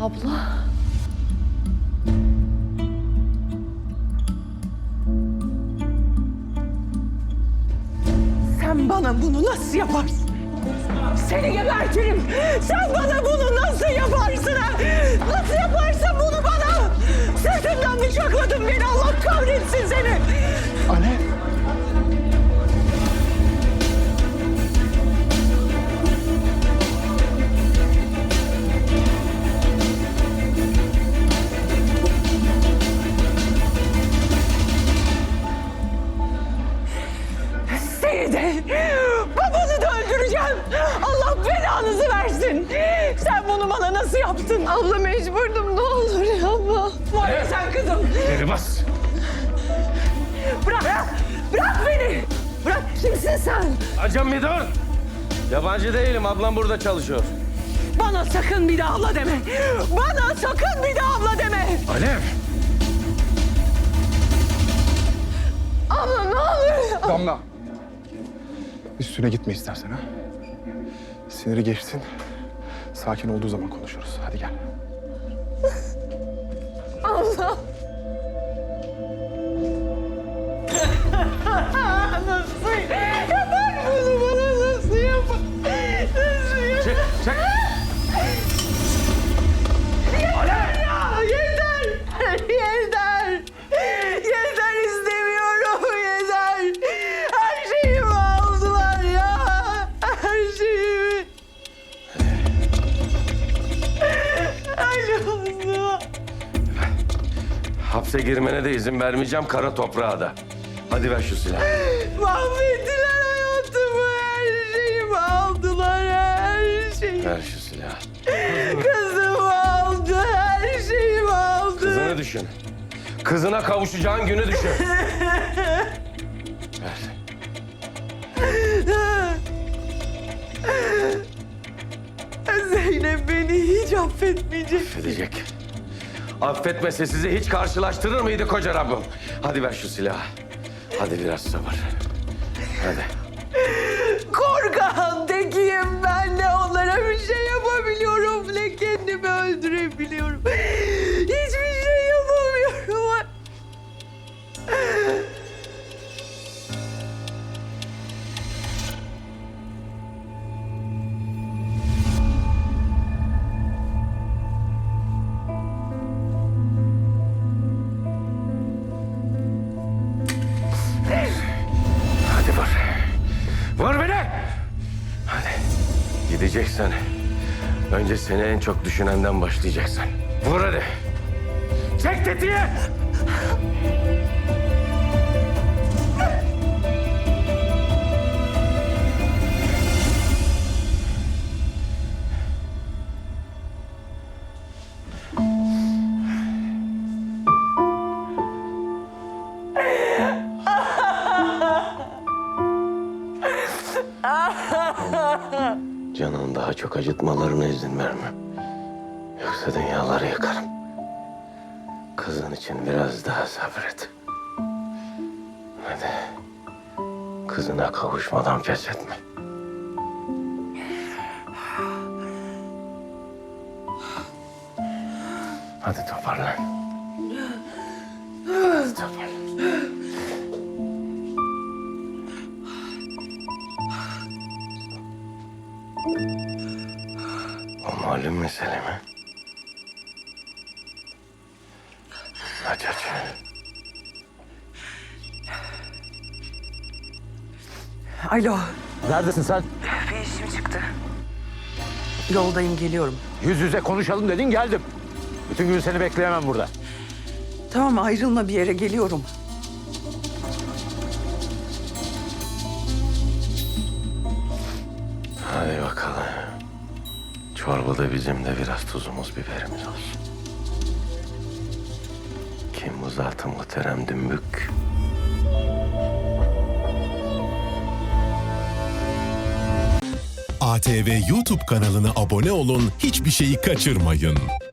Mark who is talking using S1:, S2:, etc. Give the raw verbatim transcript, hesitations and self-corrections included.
S1: Abla.
S2: Sen bana bunu nasıl yaparsın? Seni gebertirim. Sen bana bunu nasıl yaparsın ha? Nasıl yaparsın bunu bana? Sırtımdan bıçakladın beni. Allah kahretsin seni.
S3: Alev.
S2: Seni de, babanı da öldüreceğim. Allah belanızı versin. Sen bunu bana nasıl yaptın?
S1: Abla mecburdum, ne olur yapma.
S2: Var ya sen kızım.
S4: Geri bas.
S2: Bırak, bırak, bırak beni. Bırak, kimsin sen?
S4: Hocam bir dur. Yabancı değilim. Ablam burada çalışıyor.
S2: Bana sakın bir daha abla deme. Bana sakın bir daha abla deme.
S4: Alev.
S1: Abla ne olur.
S3: Damla. Üstüne gitme istersen ha. Siniri geçsin. Sakin olduğu zaman konuşuruz. Hadi gel.
S1: Abla.
S2: Nasıl yapar bunu bana nasıl yapar? Nasıl yapar?
S4: Çek, çek.
S2: Yeter ya, yeter. Yeter. Yeter istemiyorum, yeter. Her şeyimi aldılar ya. Her şeyimi. Ay Nazlı.
S4: Hapse girmene de izin vermeyeceğim. Kara toprağa da. Hadi ver şu silahı.
S2: Mahvettiler hayatımı, her şeyimi aldılar, her şeyi.
S4: Ver şu silahı.
S2: Kızımı aldı, her şeyimi aldı.
S4: Kızını düşün. Kızına kavuşacağın günü düşün. Ver.
S2: Zeynep beni hiç affetmeyecek.
S4: Affedecek. Affetmese sizi hiç karşılaştırır mıydı koca Rabbim? Hadi ver şu silahı. Hadi biraz sabır. Hadi.
S2: Korkan tekiyim ben, ne onlara bir şey yapabiliyorum ne kendimi öldürebiliyorum. Hiçbir şey yapamıyorum.
S4: Hadi vur. Vur beni. Hadi. Gideceksen önce seni en çok düşünenden başlayacaksın. Vur hadi. Çek tetiği. Canını daha çok acıtmalarına izin vermem. Yoksa dünyaları yakarım. Kızın için biraz daha sabret. Hadi. Kızına kavuşmadan pes etme. Hadi toparlan. Hadi toparlan. O malum mesele mi? Aç aç.
S2: Alo,
S5: Neredesin sen?
S2: bir işim çıktı. Yoldayım, geliyorum.
S5: Yüz yüze konuşalım dedin, geldim. Bütün gün seni bekleyemem burada.
S2: Tamam, ayrılma, bir yere geliyorum.
S4: Hadi bakalım. Çorbada bizim de biraz tuzumuz, biberimiz olsun. Kim bu zatı muhterem dümbük?
S6: A T V YouTube kanalına abone olun, hiçbir şeyi kaçırmayın.